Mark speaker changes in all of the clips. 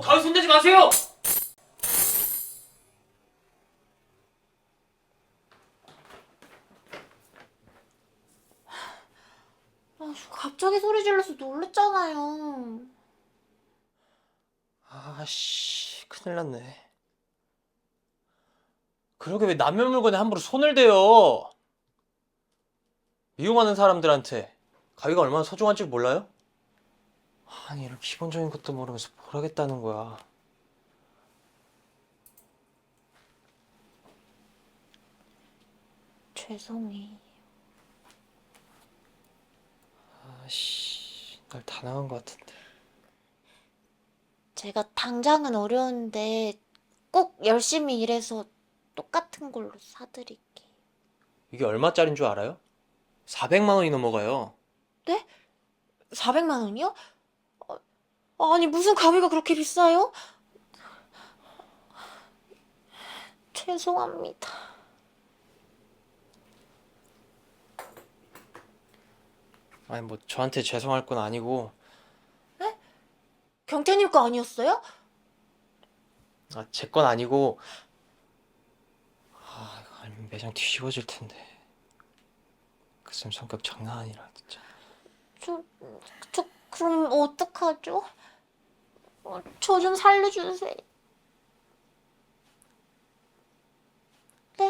Speaker 1: 가위 손대지 마세요!
Speaker 2: 갑자기 소리 질러서 놀랬잖아요.
Speaker 1: 아씨, 큰일 났네. 그러게 왜 남의 물건에 함부로 손을 대요? 이용하는 사람들한테 가위가 얼마나 소중한 줄 몰라요? 아니, 이런 기본적인 것도 모르면서 뭘 하겠다는 거야.
Speaker 2: 죄송해요.
Speaker 1: 아씨, 날 다 나간 것 같은데.
Speaker 2: 제가 당장은 어려운데 꼭 열심히 일해서 똑같은 걸로 사드릴게요.
Speaker 1: 이게 얼마짜린 줄 알아요? 400만 원이 넘어가요.
Speaker 2: 네? 400만 원이요? 아니 무슨 가위가 그렇게 비싸요? 죄송합니다.
Speaker 1: 아니, 뭐 저한테 죄송할 건 아니고.
Speaker 2: 경태님 거 아니었어요?
Speaker 1: 아, 제 건 아니고. 아, 이거 알면 매장 뒤집어질 텐데. 그 쌤 성격 장난 아니라 진짜.
Speaker 2: 저 그럼 어떡하죠? 저 좀 살려주세요. 네?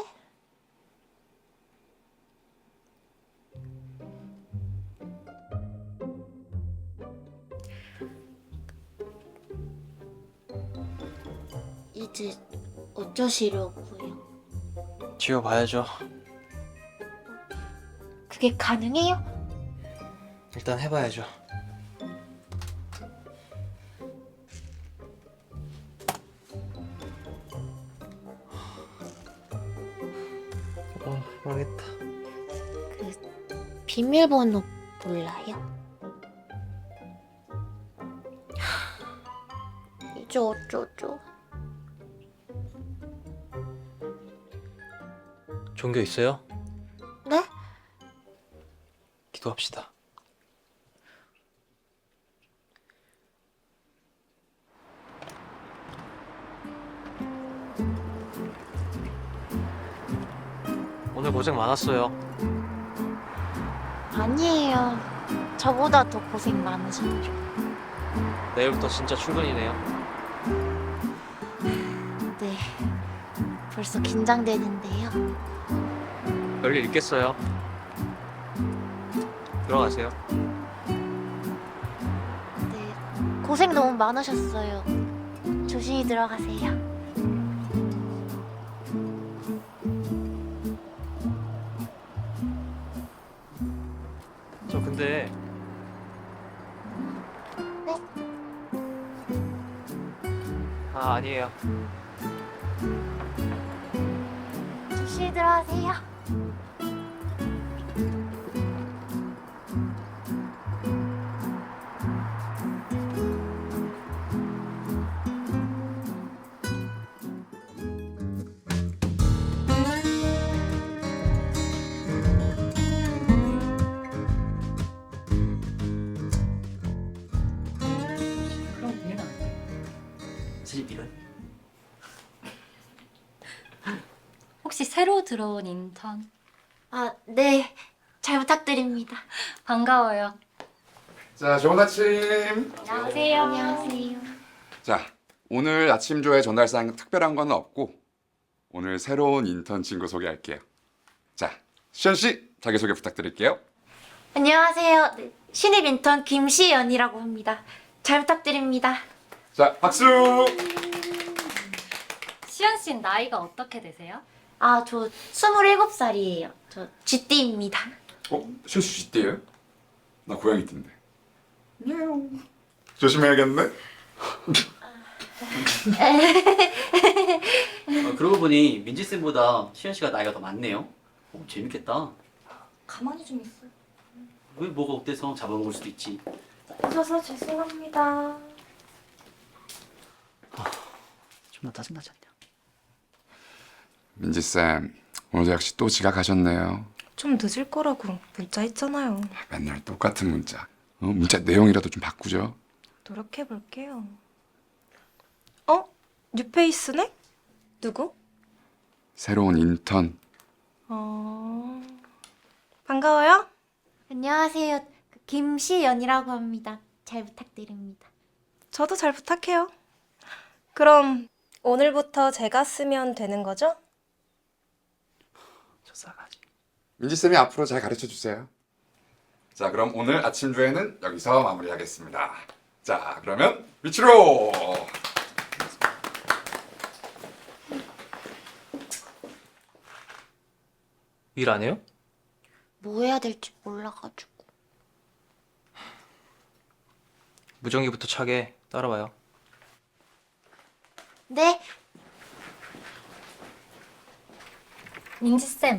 Speaker 2: 이제 어쩌시려고요?
Speaker 1: 지워봐야죠.
Speaker 2: 그게 가능해요?
Speaker 1: 일단 해봐야죠. 망했다.
Speaker 2: 그 비밀번호 몰라요? 이제 어쩌죠?
Speaker 1: 종교 있어요?
Speaker 2: 네?
Speaker 1: 기도합시다. 오늘 고생 많았어요.
Speaker 2: 아니에요. 저보다 더 고생 많으셨죠.
Speaker 1: 내일부터 진짜 출근이네요.
Speaker 2: 네. 벌써 긴장되는데요.
Speaker 1: 별일 있겠어요. 들어가세요.
Speaker 2: 네. 고생 너무 많으셨어요. 조심히 들어가세요.
Speaker 1: 저 근데
Speaker 2: 네?
Speaker 1: 아니에요.
Speaker 2: 조심히 들어가세요.
Speaker 3: 그럼 되나? 사실 이런.
Speaker 4: 혹시 새로 들어온 인턴?
Speaker 2: 아, 네. 잘 부탁드립니다.
Speaker 4: 반가워요.
Speaker 5: 자, 좋은 아침.
Speaker 4: 안녕하세요.
Speaker 2: 안녕하세요.
Speaker 5: 자, 오늘 아침 조회 전달사항 특별한 건 없고 오늘 새로운 인턴 친구 소개할게요. 자, 시현 씨 자기소개 부탁드릴게요.
Speaker 2: 안녕하세요. 네, 신입 인턴 김시연이라고 합니다. 잘 부탁드립니다.
Speaker 5: 자, 박수.
Speaker 4: 시연 씨는 나이가 어떻게 되세요?
Speaker 2: 아, 저 27살이에요. 저 쥐띠입니다.
Speaker 5: 시현 씨 쥐띠예요? 나 고양이 띠인데. 냐옹. 조심해야겠네.
Speaker 3: 그러고 보니 민지 쌤보다 시현 씨가 나이가 더 많네요. 재밌겠다.
Speaker 4: 가만히 좀 있어.
Speaker 3: 왜 뭐가 어때서 잡아먹을 수도 있지.
Speaker 2: 늦어서 죄송합니다.
Speaker 3: 좀나 짜증나지 않냐?
Speaker 5: 민지 쌤, 오늘도 역시 또 지각하셨네요.
Speaker 6: 좀 늦을 거라고 문자 했잖아요.
Speaker 5: 맨날 똑같은 문자. 문자 내용이라도 좀 바꾸죠.
Speaker 6: 노력해 볼게요. 뉴페이스네? 누구?
Speaker 5: 새로운 인턴.
Speaker 6: 반가워요.
Speaker 2: 안녕하세요. 김시연이라고 합니다. 잘 부탁드립니다.
Speaker 6: 저도 잘 부탁해요. 그럼 오늘부터 제가 쓰면 되는 거죠?
Speaker 1: 저 싸가지.
Speaker 5: 민지쌤이 앞으로 잘 가르쳐 주세요. 자, 그럼 오늘 아침 조회는 여기서 마무리하겠습니다. 자, 그러면 위치로!
Speaker 1: 일 안 해요?
Speaker 2: 뭐 해야 될지 몰라가지고.
Speaker 1: 무전기부터 차게 따라와요.
Speaker 2: 네.
Speaker 4: 민지쌤.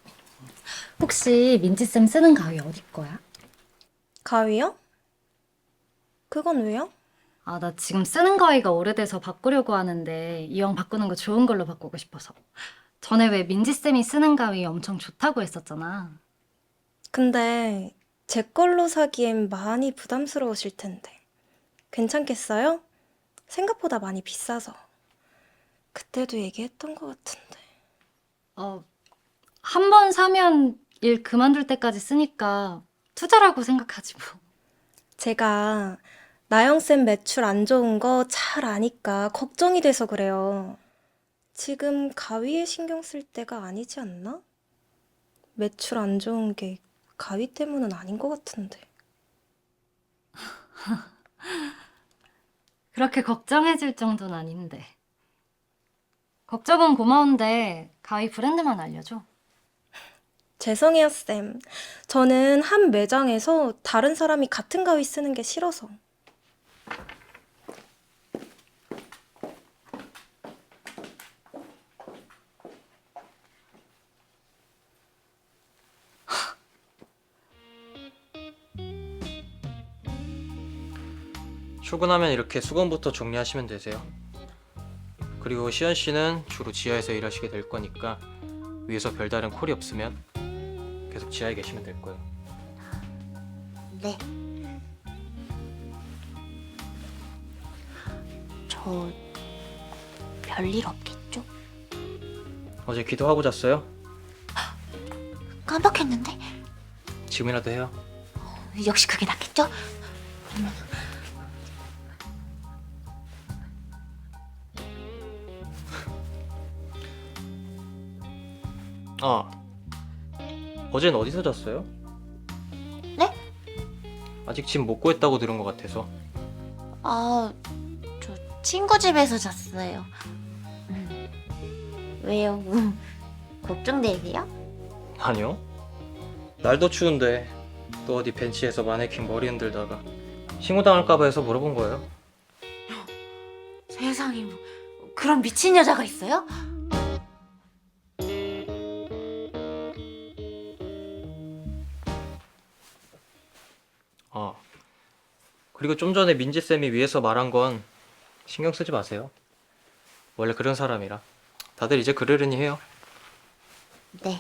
Speaker 4: 혹시 민지쌤 쓰는 가위 어디 거야?
Speaker 6: 가위요? 그건 왜요?
Speaker 4: 아, 나 지금 쓰는 가위가 오래돼서 바꾸려고 하는데 이왕 바꾸는 거 좋은 걸로 바꾸고 싶어서. 전에 왜 민지쌤이 쓰는 가위 엄청 좋다고 했었잖아.
Speaker 6: 근데 제 걸로 사기엔 많이 부담스러우실 텐데. 괜찮겠어요? 생각보다 많이 비싸서. 그때도 얘기했던 것 같은데.
Speaker 4: 한 번 사면 일 그만둘 때까지 쓰니까 투자라고 생각하지 뭐.
Speaker 6: 제가 나영쌤 매출 안 좋은 거 잘 아니까 걱정이 돼서 그래요. 지금 가위에 신경 쓸 때가 아니지 않나? 매출 안 좋은 게 가위 때문은 아닌 것 같은데.
Speaker 4: 그렇게 걱정해줄 정도는 아닌데. 걱정은 고마운데 가위 브랜드만 알려줘.
Speaker 6: 죄송해요, 쌤. 저는 한 매장에서 다른 사람이 같은 가위 쓰는 게 싫어서.
Speaker 1: 출근하면 이렇게 수건부터 정리하시면 되세요. 그리고 시연 씨는 주로 지하에서 일하시게 될 거니까 위에서 별다른 콜이 없으면 계속 지하에 계시면 될 거예요.
Speaker 2: 네. 저 별일 없겠죠?
Speaker 1: 어제 기도하고 잤어요?
Speaker 2: 깜빡했는데?
Speaker 1: 지금이라도 해요.
Speaker 2: 역시 그게 낫겠죠?
Speaker 1: 아, 어젠 어디서 잤어요?
Speaker 2: 네?
Speaker 1: 아직 짐 못 구했다고 들은 것 같아서.
Speaker 2: 아, 저 친구 집에서 잤어요. 왜요? 걱정되세요?
Speaker 1: 아니요. 날도 추운데 또 어디 벤치에서 마네킹 머리 흔들다가 신고당할까봐 해서 물어본 거예요.
Speaker 2: 세상에 뭐 그런 미친 여자가 있어요?
Speaker 1: 아, 그리고 좀 전에 민지쌤이 위에서 말한 건 신경 쓰지 마세요. 원래 그런 사람이라. 다들 이제 그러려니 해요.
Speaker 2: 네.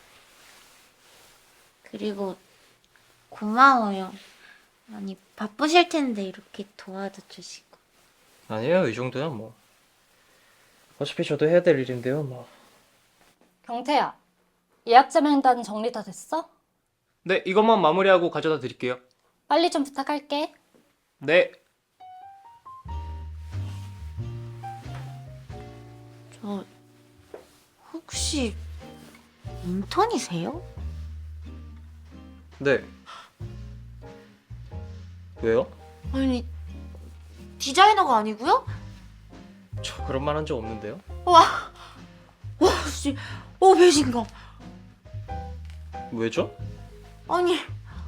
Speaker 2: 그리고 고마워요. 아니 바쁘실 텐데 이렇게 도와도 주시고.
Speaker 1: 아니에요, 이 정도야 뭐. 어차피 저도 해야 될 일인데요, 뭐.
Speaker 4: 경태야, 예약자 명단 정리 다 됐어?
Speaker 1: 네, 이것만 마무리하고 가져다 드릴게요.
Speaker 4: 빨리 좀 부탁할게.
Speaker 1: 네.
Speaker 2: 저 혹시 인턴이세요?
Speaker 1: 네. 왜요?
Speaker 2: 아니 디자이너가 아니고요?
Speaker 1: 저 그런 말 한 적 없는데요?
Speaker 2: 와 씨, 배신감.
Speaker 1: 왜죠?
Speaker 2: 아니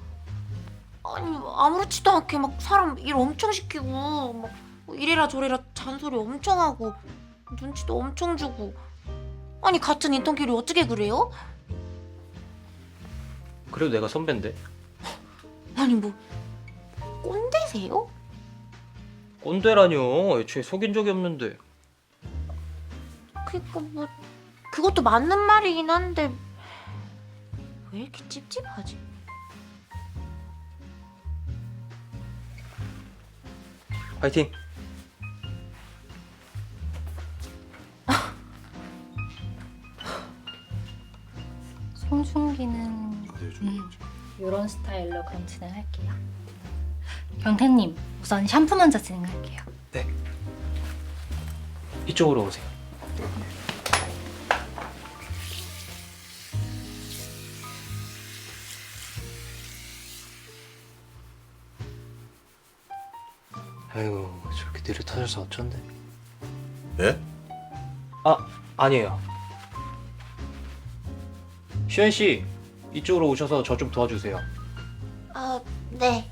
Speaker 2: 아무렇지도 않게 막 사람 일 엄청 시키고 막 이래라 저래라 잔소리 엄청 하고 눈치도 엄청 주고. 아니 같은 인턴끼리 어떻게 그래요?
Speaker 1: 그래도 내가 선배인데.
Speaker 2: 아니 뭐 꼰대세요?
Speaker 1: 꼰대라뇨. 애초에 속인 적이 없는데.
Speaker 2: 그니까 뭐 그것도 맞는 말이긴 한데 왜 이렇게 찝찝하지?
Speaker 1: 파이팅.
Speaker 4: 경태님, 우선 샴푸 먼저 진행할게요.
Speaker 1: 네. 이쪽으로 오세요. 아이고 저렇게 느릿하셔서 어쩐데?
Speaker 7: 예?
Speaker 1: 아니에요. 시현 씨 이쪽으로 오셔서 저 좀 도와주세요.
Speaker 2: 네.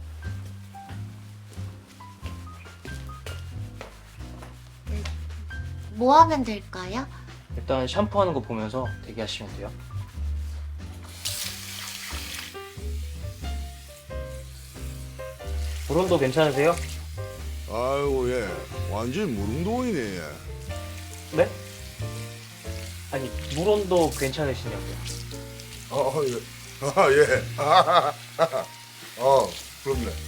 Speaker 2: 뭐 하면 될까요?
Speaker 1: 일단 샴푸하는 거 보면서 대기하시면 돼요. 브론도 괜찮으세요?
Speaker 7: 아이고 예 완전 무릉도원이네 예.
Speaker 1: 네? 아니 물온도 괜찮으시냐고요?
Speaker 7: 예. 예. 그렇네